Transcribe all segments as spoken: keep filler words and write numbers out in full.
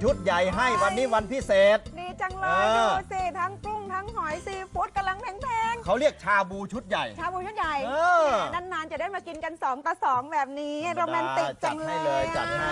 ชุดใหญ่ให้วันนี้วันพิเศษดีจังเลยดูสิทั้งกุ้งทั้งหอยซีฟู้ดกำลังแพงๆเขาเรียกชาบูชุดใหญ่ชาบูชุดใหญ่นานๆจะได้มากินกันสองต่อสองแบบนี้โรแมนติกจังเลยจัดให้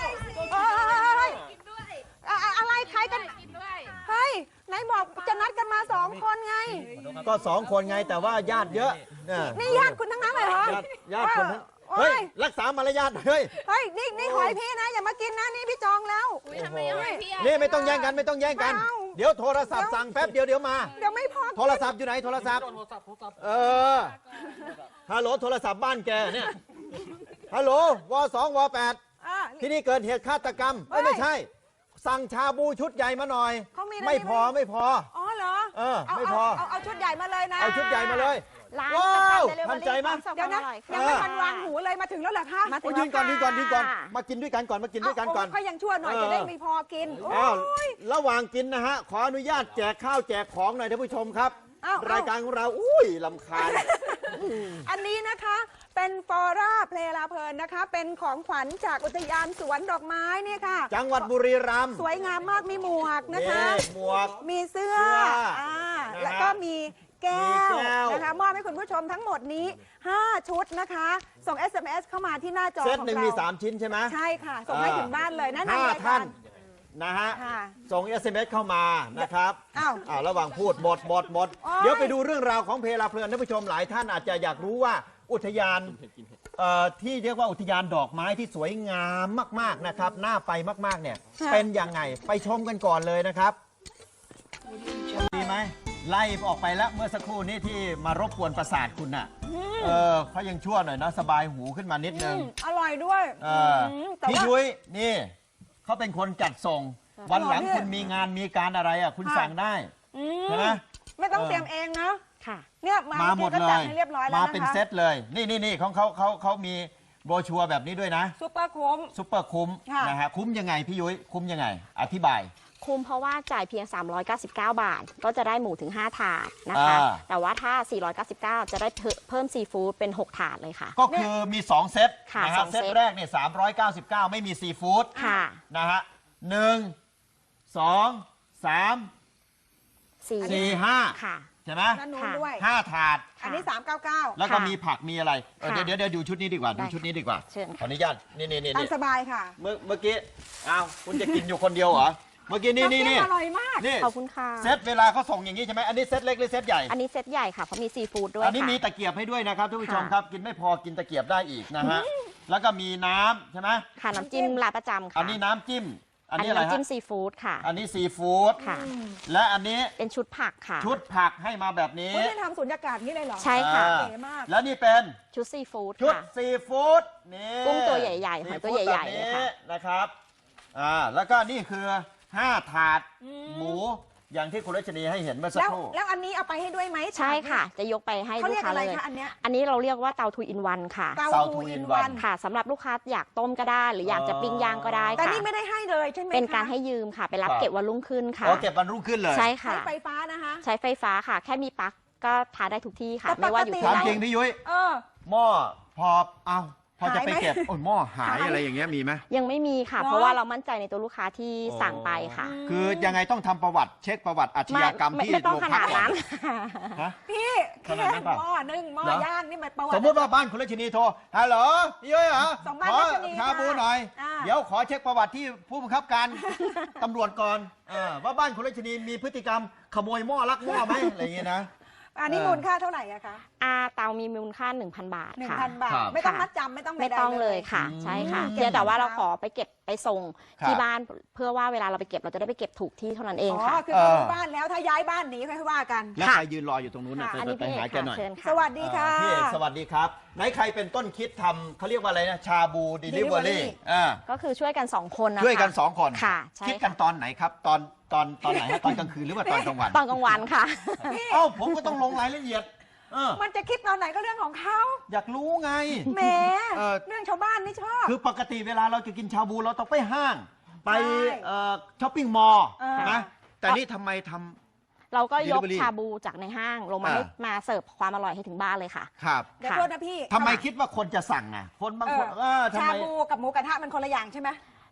อะไรใครกันเฮ้ยไหนบอกจะนัดกันมาสองคนไงก็สองคนไงแต่ว่าญาติเยอะนี่ญาติคุณทั้งนั้นเลยเหรอญาติคนเฮ้ยรักษามารยาทเฮ้ยเฮ้ยนี่นี่หอยพี่นะอย่ามากินนะนี่พี่จองแล้วนี่ไม่ต้องแย่งกันไม่ต้องแย่งกันเดี๋ยวโทรศัพท์สั่งแป๊บเดียวเดี๋ยวมาเดี๋ยวไม่พอโทรศัพท์อยู่ไหนโทรศัพท์เออฮัลโหลโทรศัพท์บ้านแกเนี่ยฮัลโหลวสองวแปดที่นี่เกิดเหตุฆาตกรรมไม่ใช่สั่งชาบูชุดใหญ่มาหน่อยไม่พอไม่พออ๋อเหรอเออไม่พอเอาชุดใหญ่มาเลยนะเอาชุดใหญ่มาเลยว้าวทันใจมั้ยเดี๋ยวนะยังไม่ทันวางหูเลยมาถึงแล้วเหรอคะมายืนก่อนยืนก่อนยืนก่อนมากินด้วยกันก่อนมากินด้วยกันก่อนค่อยยังชั่วหน่อยจะได้ไม่พอกินอ้าวระหว่างกินนะฮะขออนุญาตแจกข้าวแจกของหน่อยท่านผู้ชมครับรายการของเราอุ้ยลำคาญอันนี้นะคะเป็นฟอร่าเพลลาเพลินนะคะเป็นของขวัญจากอุทยานสวนดอกไม้เนี่ยค่ะจังหวัดบุรีรัมย์สวยงามมากมีหมวกนะคะหมวกมีเสื้ออ่าแล้วก็มีแก้วนะคะมอบให้คุณผู้ชมทั้งหมดนี้ห้าชุดนะคะส่ง เอส เอ็ม เอส เข้ามาที่หน้าจอของเราเซตหนึ่งมีสามชิ้นใช่ไหมใช่ค่ะส่งให้ถึงบ้านเลยนั่นเองท่านนะฮะส่ง เอส เอ็ม เอส เข้ามานะครับอ้าวอ้าวระหว่างพูดหมดหมดหมดเดี๋ยวไปดูเรื่องราวของเพลาเพลินท่านผู้ชมหลายท่านอาจจะอยากรู้ว่าอุทยานที่เรียกว่าอุทยานดอกไม้ที่สวยงามมากๆนะครับน่าไปมากๆเนี่ยเป็นยังไงไปชมกันก่อนเลยนะครับดีไหมไล่ออกไปแล้วเมื่อสักครู่นี้ที่มารบกวนประสาทคุณน่ะเออเขายังชั่วหน่อยนะสบายหูขึ้นมานิดนึงอร่อยด้วยพี่ยุ้ยนี่เขาเป็นคนจัดส่งวันหลังคุณมีงานมีการอะไรอ่ะคุณสั่งได้ใช่ไหมไม่ต้องเตรียมเองนะค่ะเนี่ยมาหมดเลยมาเป็นเซตเลยนี่นี่นี่ของเขาเขาเขามีโบรชัวร์แบบนี้ด้วยนะซุปเปอร์คุ้มซุปเปอร์คุ้มนะฮะคุ้มยังไงพี่ยุ้ยคุ้มยังไงอธิบายคุ้มเพราะว่าจ่ายเพียงสามร้อยเก้าสิบเก้าบาทก็จะได้หมูถึงห้าถาดนะคะแต่ว่าถ้าสี่ร้อยเก้าสิบเก้าจะได้เพิ่มซีฟู้ดเป็นหกถาดเลยค่ะก็คือมีสองเซตนะฮะเซตแรกเนี่ยสามร้อยเก้าสิบเก้าไม่มีซีฟู้ดนะฮะหนึ่งสองสามสี่ห้าใช่ไหมห้าถาดอันนี้สามเก้าเก้าแล้วก็มีผักมีอะไรเดี๋ยวเดี๋ยวเดี๋ยวดูชุดนี้ดีกว่าดูชุดนี้ดีกว่าขออนุญาตนี่นี่นี่ตามสบายค่ะเมื่อเมื่อกี้อ้าวคุณจะกินอยู่คนเดียวเหรอเมื่อกี้นี่นี่นี่อร่อยมากขอบคุณค่ะเซตเวลาเขาส่งอย่างนี้ใช่ไหมอันนี้เซตเล็กหรือเซตใหญ่อันนี้เซตใหญ่ค่ะเพราะมีซีฟู้ดด้วยอันนี้มีตะเกียบให้ด้วยนะครับท่านผู้ชมครับกินไม่พอกินตะเกียบได้อีกนะฮะแล้วก็มีน้ำใช่ไหมค่ะน้ำจิ้มร้านประจำค่ะอันนี้น้ำจิ้มอันนี้อะไรฮะน้ำจิ้มซีฟู้ดค่ะอันนี้ซีฟู้ดค่ะและอันนี้เป็นชุดผักค่ะชุดผักให้มาแบบนี้คุณได้ทำสุญญากาศนี่เลยเหรอใช่ค่ะเก๋มากแล้วนี่เป็นชุดซีฟู้ดชุดซีฟู้ดนี่กุ้งตัวใหญ่ๆหอยตัวใหญ่ๆเลยค่ะนะครับอ่าแล้วก็นี่คือห้าถาดหมูอย่างที่คุณรัชนีให้เห็นเมื่อสักครู่แล้วอันนี้เอาไปให้ด้วยไหมใช่ค่ะจะยกไปให้ลูกค้าเลยอันนี้อันนี้เราเรียกว่าเตาทูอินวันค่ะเตาทูอินวันค่ะสำหรับลูกค้าอยากต้มก็ได้หรืออยากจะปิ้งย่างก็ได้แต่นี่ไม่ได้ให้เลยใช่ไหมเป็นการให้ยืมค่ะไปรับเก็บวันรุ่งขึ้นค่ะอ๋อเก็บวันรุ่งขึ้นเลยใช่ค่ะใช้ไฟฟ้านะคะใช้ไฟฟ้าค่ะแค่มีปลั๊กก็ทาได้ทุกที่ค่ะไม่ว่าอยู่ที่ไหนจริงพี่ยุ้ยหม้อพอเอาพอจะไปเก็บโอ้ยหม้อหายอะไรอย่างเงี้ยมีไหมยังไม่มีค่ะเพราะว่าเรามั่นใจในตัวลูกค้าที่สั่งไปค่ะคือยังไงต้องทำประวัติเช็คประวัติอาชญากรรมที่โรงพักนั้นพี่แค่หม้อนึ่งหม้อย่างนี่มันประวัติสมมติว่าบ้านคุณรัชนีโทรฮัลโหลพี่ยุ้ยเหรอขอชาบูหน่อยเดี๋ยวขอเช็คประวัติที่ผู้บังคับการตำรวจก่อนว่าบ้านคุณรัชนีมีพฤติกรรมขโมยหม้อลักหม้อไหมอะไรอย่างเงี้ยนะอันนี้มูลค่าเท่าไหร่อะคะอาเตามีมูลค่า หนึ่งพัน บาทค่ะหนึ่งพัน บาทไม่ต้องมัดจำไม่ต้องไม่ต้องเลยค่ะใช่ค่ะเพียงแต่ว่าเราขอไปเก็บไปส่งที่บ้านเพื่อว่าเวลาเราไปเก็บเราจะได้ไปเก็บถูกที่เท่านั้นเองค่ะอ๋อคือที่บ้านแล้วถ้าย้ายบ้านหนีค่อยว่ากันแล้วใครยืนรออยู่ตรงนู้นอันนี้ไปหาแกหน่อยสวัสดีค่ะพี่เอกสวัสดีครับไหนใครเป็นต้นคิดทำเขาเรียกว่าอะไรนะชาบูเดลิเวอรี่ก็คือช่วยกันสองคนนะคะช่วยกันสองคนค่ะคิดกันตอนไหนครับตอนตอนตอนไหนตอนกลางคืนหรือว่าตอนกลางวันตอนกลางวันค่ะเอ้าผมก็ต้องลงรายละเอียดมันจะคิดตอนไหนก็เรื่องของเขาอยากรู้ไงแหมเรื่องชาวบ้านนี่ชอบคือปกติเวลาเราจะกินชาบูเราต้องไปห้างไปช้อปปิ้งมอลล์นะแต่นี่ทำไมทำเราก็ยกชาบูจากในห้างลงมาให้มาเสิร์ฟความอร่อยให้ถึงบ้านเลยค่ะครับเดี๋ยวโทษนะพี่ทำไมคิดว่าคนจะสั่งอ่ะคนบางคนชาบูกับหมูกระทะมันคนละอย่างใช่ไหม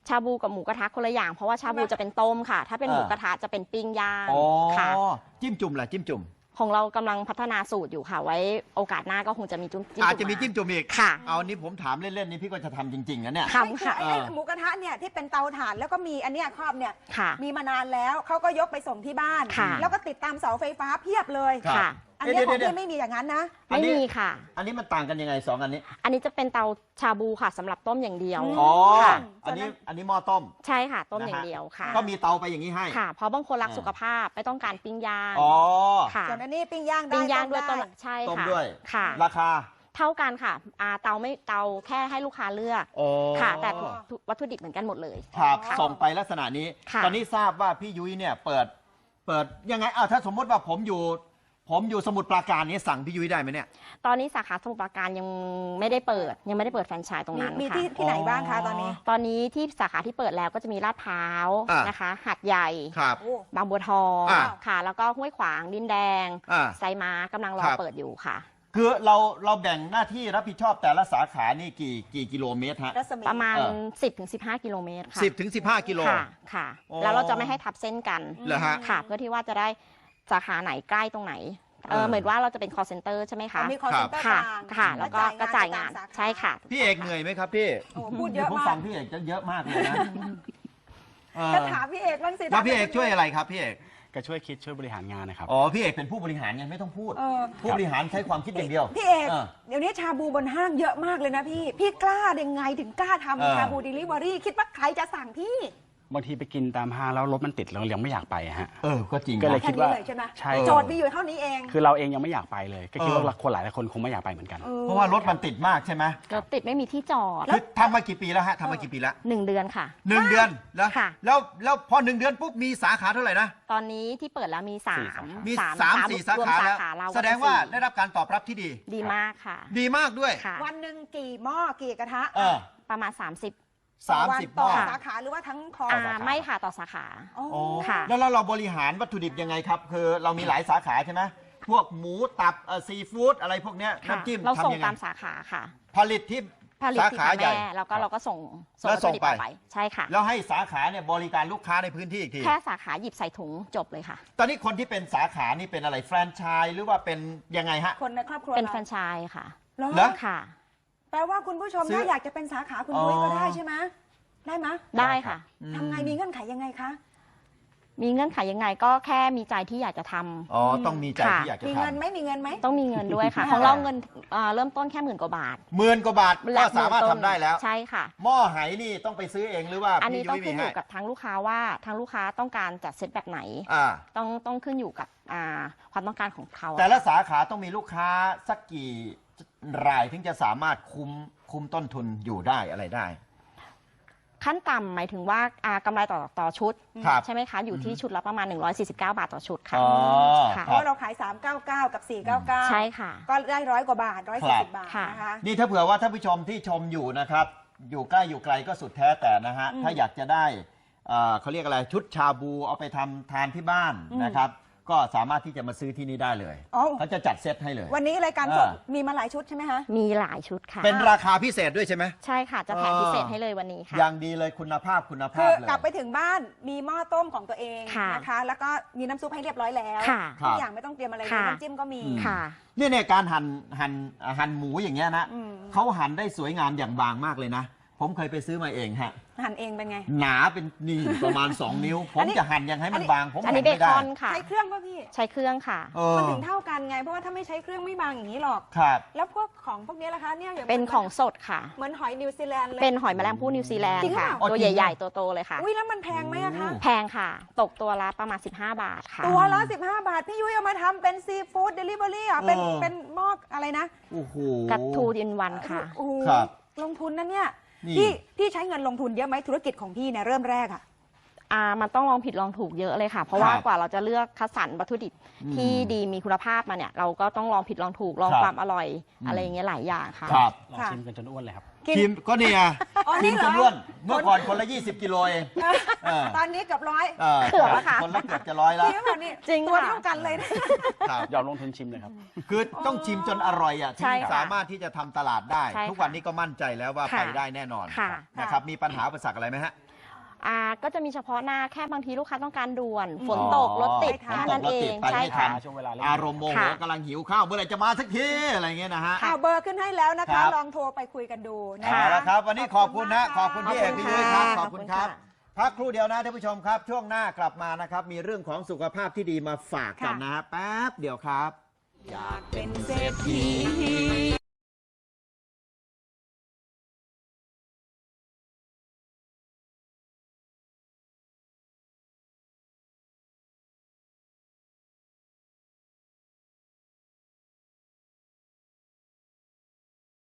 ชาบูกับหมูกระทะคนละอย่างเพราะว่าชาบูจะเป็นต้มค่ะ ถ้าเป็นหมูกระทะจะเป็นปิ้งย่างอ๋อค่ะจิ้มจุ่มล่ะจิ้มจุ่มของเรากำลังพัฒนาสูตรอยู่ค่ะ ไว้โอกาสหน้าก็คงจะมีจุ้มจิ้มอาจจะมีจิ้มจุ่มอีกค่ะเอานี้ผมถามเล่นๆนี่พี่ก็จะทำจริงๆนะเนี่ยทำค่ะไอ้ไอ้หมูกระทะเนี่ยที่เป็นเตาถ่านแล้วก็มีอันเนี้ยครอบเนี่ยค่ะมีมานานแล้วเขาก็ยกไปส่งที่บ้านค่ะแล้วก็ติดตามเสาไฟฟ้าเพียบเลยครับค่ะอันเนี้ยของเดี๋ยวๆๆพี่ไม่มีอย่างนั้นนะอันไม่นี้มีค่ะอันนี้มันต่างกันยังไงสองอันนี้อันนี้จะเป็นเตาชาบูค่ะสำหรับต้มอย่างเดียวอ๋อค่ะอันนี้อันนี้หม้อต้มใช่ค่ะ ต้มนะฮะอย่างเดียวค่ะก็มีเตาไปอย่างนี้ให้ค่ะ เพราะบางคนรักอ่าสุขภาพไม่ต้องการปิ้งย่างอ๋อค่ะส่วนอันนี้ปิ้งย่างได้ปิ้งย่างด้วยต้ต้มมได้ใช่ต้มค่ะด้วยค่ะราคาเท่ากันค่ะอ่าเตาไม่เตาแค่ให้ลูกค้าเลือกโอ้ค่ะ แต่ทุกวัตถุดิบเหมือนกันหมดเลยครับค่ะส่งไปลักษณะนี้ค่ะตอนนี้ทราบว่าพี่ยุ้ยเนี่ยเปิด เปิดยังไงอ้าวถ้าสมมติว่าผมอยู่ ผมอยู่สมุทรปราการนี้สั่งพี่ยุ้ยได้ไหมเนี่ยตอนนี้สาขาสมุทรปราการยังไม่ได้เปิด ยังไม่ได้เปิดแฟรนไชส์ตรงมีนั้นมีค่ะที่ที่ไหนบ้างคะตอนนี้ตอนนี้ที่สาขาที่เปิดแล้วก็จะมีลาดพร้าวอ่ะนะคะหัดใหญ่ครับโอ้บางบัวทองอ่ะค่ะ แล้วก็ห้วยขวางดินแดงอ่าไซม้ากำลังรอครับเปิดอยู่ค่ะคือเราเราแบ่งหน้าที่รับผิดชอบแต่ละสาขานี่กี่กี่กิโลเมตรฮะรัศมีประมาณเออสิบถึงสิบห้า กิโลเมตรค่ะสิบถึงสิบห้ากิโลค่ะค่ะอ๋อแล้วเราจะไม่ให้ทับเส้นกันเหรอฮะค่ะ เพื่อที่ว่าจะได้สาขาไหนใกล้ตรงไหนเอเอออเหมือนว่าเราจะเป็น call center ใช่ไหมคะมีคอร์เซ็นเตอร์กค่ะลางค่ะ แล้วก็กระจายงานตมสขใช่ค่ะพี่เอกเหนื่อยไหมครับพี่โอ้พูดเยอะผมมาฟักงพี่เอกจะเยอะมากเลยนะเออจะถามพี่เอกบ้างสิแล้วพี่เอกช่วยอะไรครับพี่เอกก็ช่วยคิดช่วยบริหารงานนะครับอ๋อพี่เอกเป็นผู้บริหารไงไม่ต้องพูดเออผู้บริหารใช้ความคิดอย่างเดียวพี่เอกเออเดี๋ยวนี้ชาบูบนห้างเยอะมากเลยนะพี่ พี่กล้าได้ไงถึงกล้าเออทำชาบูเดลิเวอรี่คิดว่าใครจะสั่งพี่บางทีไปกินตามห้างแล้วรถมันติดเรายังไม่อยากไปอะฮะเออก็จริงก็เลยนะแค่คิดนี้ว่าเลยใช่ไหมใช่โจทย์มีอยู่เท่านี้เองคือเราเองยังไม่อยากไปเลย ก็คิดว่าเออคนหลายคนคงไม่อยากไปเหมือนกันออเพราะว่ารถมันติดมากใช่ไหมรถติดไม่มีที่จอดคือทำมากี่ปีแล้วฮะทำมากี่ปีแล้วหนึ่งเดือนค่ะหนึ่งเดือนแล้วค่ะแล้วแล้วพอหนึ่งเดือนปุ๊บมีสาขาเท่าไหร่นะตอนนี้ที่เปิดแล้วมีสามมีสามสี่สารวมขาแล้วสาขาเราแสดงว่าเป็นได้รับการตอบรับที่ดีสี่ดีมากค่ะดีมากด้วยค่ะวันหนึ่งกี่หม้อกี่กระทะเออประมาณ สามสิบสามวันสิบหต่ม้ออสาขาหรือว่าทั้งคออ่าสาขาไม่ค่ะต่อสาขาอ๋ออ๋อค่ะแล้วเราเราบริหารวัตถุดิบยังไงครับ คือเรามีหลายสาขาใช่ไหมพวกหมูตับซีฟู้ดอะไรพวกเนี้ยค่ะน้ำจิ้มเราส่งทำยังไงตามสาขาค่ะผลิตที่ผลิตสาที่ขาทางใหญ่แม่แล้วก็เราก็ส่งส่งแล้ววัตถุดิบส่งไปออกไปใช่ค่ะแล้วให้สาขาเนี่ยบริการลูกค้าในพื้นที่อีกทีแค่สาขาหยิบใส่ถุงจบเลยค่ะตอนนี้คนที่เป็นสาขานี่เป็นอะไรแฟรนไชส์หรือว่าเป็นยังไงฮะคนในครอบครัวเป็นราแฟรนไชส์ค่ะเหรอเหรอค่ะแปลว่าคุณผู้ชมซื้อถ้าอยากจะเป็นสาขาคุณยุ้ยก็อ๋อได้ใช่ไหมได้ไหมได้ค่ะทำไงมีเงื่อนไขยังไงคะมีเงื่อนไขยังไงก็แค่มีใจที่อยากจะทำอ๋อต้องมีใจค่ะที่อยากจะมีทเงินไหมมีเงินไหมต้องมีเงินด้วยค่ะอ่าของเราเงินเอ่อเริ่มต้นแค่หมื่นกว่าบาทำหมื่นกว่าบาทก็สามารถทำได้แล้วใช่ค่ะหม้อไหนี่ต้องไปซื้อเองหรือว่าอันนี้พี่ต้อยุ้งยขึ้มีนอให้ยู่กับทางลูกค้าว่าทางลูกค้าต้องการจัดเซตแบบไหนอ่าต้องต้องขึ้นอยู่กับอ่าความต้องการของเขาแต่ละสาขาต้องมีลูกค้าสักกี่รายถึงจะสามารถคุมคุมต้นทุนอยู่ได้อะไรได้ขั้นต่ำหมายถึงว่าอ่ากำไรต่อต่อชุดครับใช่ไหมคะ อยู่ที่ชุดละประมาณ หนึ่งร้อยสี่สิบเก้า บาทต่อชุดค่ะอ๋อค่ะเพราะว่าเราขาย สามเก้าเก้า กับ สี่เก้าเก้าใช่ค่ะก็ได้ร้อยกว่าบาทร้อยสี่สิบบาทค่ะนะคะนี่ถ้าเผื่อว่าท่านผู้ชมที่ชมอยู่นะครับ อยู่ใกล้อยู่ไกลก็สุดแท้แต่นะฮะ ถ้าอยากจะได้เอ่อเขาเรียกอะไรชุดชาบูเอาไปทำทานที่บ้านนะครับ ก็สามารถที่จะมาซื้อที่นี่ได้เลยอ๋อเขาจะจัดเซตให้เลยวันนี้รายการสดอ่ามีมาหลายชุดใช่ไหมคะมีหลายชุดค่ะเป็นราคาพิเศษด้วยใช่ไหมใช่ค่ะ จะแถมพิเศษให้เลยวันนี้ค่ะอย่างดีเลยคุณภาพคุณคืภาพอเลยกลับไปถึงบ้านมีหม้อต้มของตัวเองค่ะนะคะ แล้วก็มีน้ำซุปให้เรียบร้อยแล้วค่ะทุกอย่างไม่ต้องเตรียมอะไรเลยค่ะน้ำจิ้มก็มีค่ะเนี่ยเนี่ยการหั่นหั่นหั่นหมูอย่างเงี้ยนะอืมเขาหั่นได้สวยงามอย่างบางมากเลยนะ ผมเคยไปซื้อมาเองฮะหั่นเองเป็นไงหนาเป็นนี่ประมาณ สอง นิ้ว ผอัมนนี้จะหั่นยังให้มันบาง ผมอันหั่นี้นเบไม่คได้อนค่ะใช้เครื่องป่ะพี่ใช้เครื่องค่ะเออมันถึงเท่ากันไง เพราะว่าถ้าไม่ใช้เครื่องไม่บางอย่างนี้หรอกครับแล้วพวกของพวกนี้ล่ะคะเนี่ยอย่างเป็นของสดค่ะเหมือนหอยนิวซีแลนด์เลยเป็นหอยแมลงภู่นิวซีแลนด์จริงเหรอค่ะอ๋อตัวจริงเหรอใหญ่ๆ ตัวโตเลยค่ะอุ้ยแล้วมันแพงไหมอะคะแพงค่ะ ตกตัวละประมาณ สิบห้า บาทค่ะตัวละสิบห้าบาท พี่ยุ้ยเอามาทำเป็นซีฟู้ดเดลิเวอรี่อ่ะเป็นเออเป็นหม้ออะไรนะโอ้โหกัตทูดินวันค่ะโอ้โหครับลงทุนนะเนี่ยนี่พี่พี่ใช้เงินลงทุนเยอะไหมธุรกิจของพี่เนี่ยเริ่มแรกอ่ะอ่ามันต้องลองผิดลองถูกเยอะเลยค่ะ เพราะว่าครับกว่าเราจะเลือกคัดสรรวัตถุดิบอืมที่ดีมีคุณภาพมาเนี่ย เราก็ต้องลองผิดลองถูกลองครับความอร่อยอืมอะไรอย่างเงี้ยหลายอย่างค่ะครับลองค่ะชิมกันจนอ้วนเลยครับกินทีมก็เนี่ยอ๋อทีนี่มเหรจอนล้วนเมื่อก่อนคนละยี่สิบกิโลเองเออตอนนี้เกือบร้อยเออเกือบแล้วค่ะคนละเกือบจะร้อยแล้วจริงป่ะนี่จริงตัวค่ะเท่ากันเลยนะครับยอมลงทุนชิมเลยครับคือต้องชิมจนอร่อยอ่ะถึใช่งค่ะสามารถที่จะทำตลาดได้ใช่ค่ะทุกวันนี้ก็มั่นใจแล้วว่าค่ะไปได้แน่นอนค่ะนะครับมีปัญหาอุปสรรคอะไรไหมฮะอ่าก็จะมีเฉพาะหน้าแค่บางทีลูกค้าต้องการด่วน ฝนอ๋อตกรถติดฝนแค่ตกนั้นรถเอติดงไปใช่ไม่ทัค่ะนช่วงเวลาเร่งอารมณ์โมโหค่ะกำลังหิวข้าวเมื่อไหร่จะมาสักทีอะไรเงี้ยนะฮะเอาเบอร์ขึ้นให้แล้วนะครัคะบลองโทรไปคุยกันดูนะเอาคะละครับ วันนี้ขอบคุณนะขอบคุณพี่เอกพี่ยุ้ยครับขขออบบคุคุณณครัค่ะบพักครู่เดียวนะท่านผู้ชมครับ ช่วงหน้ากลับมานะครับมีเรื่องของสุขภาพที่ดีมาฝากกันนะฮะแป๊บเดียวครับเป็นเศรษฐี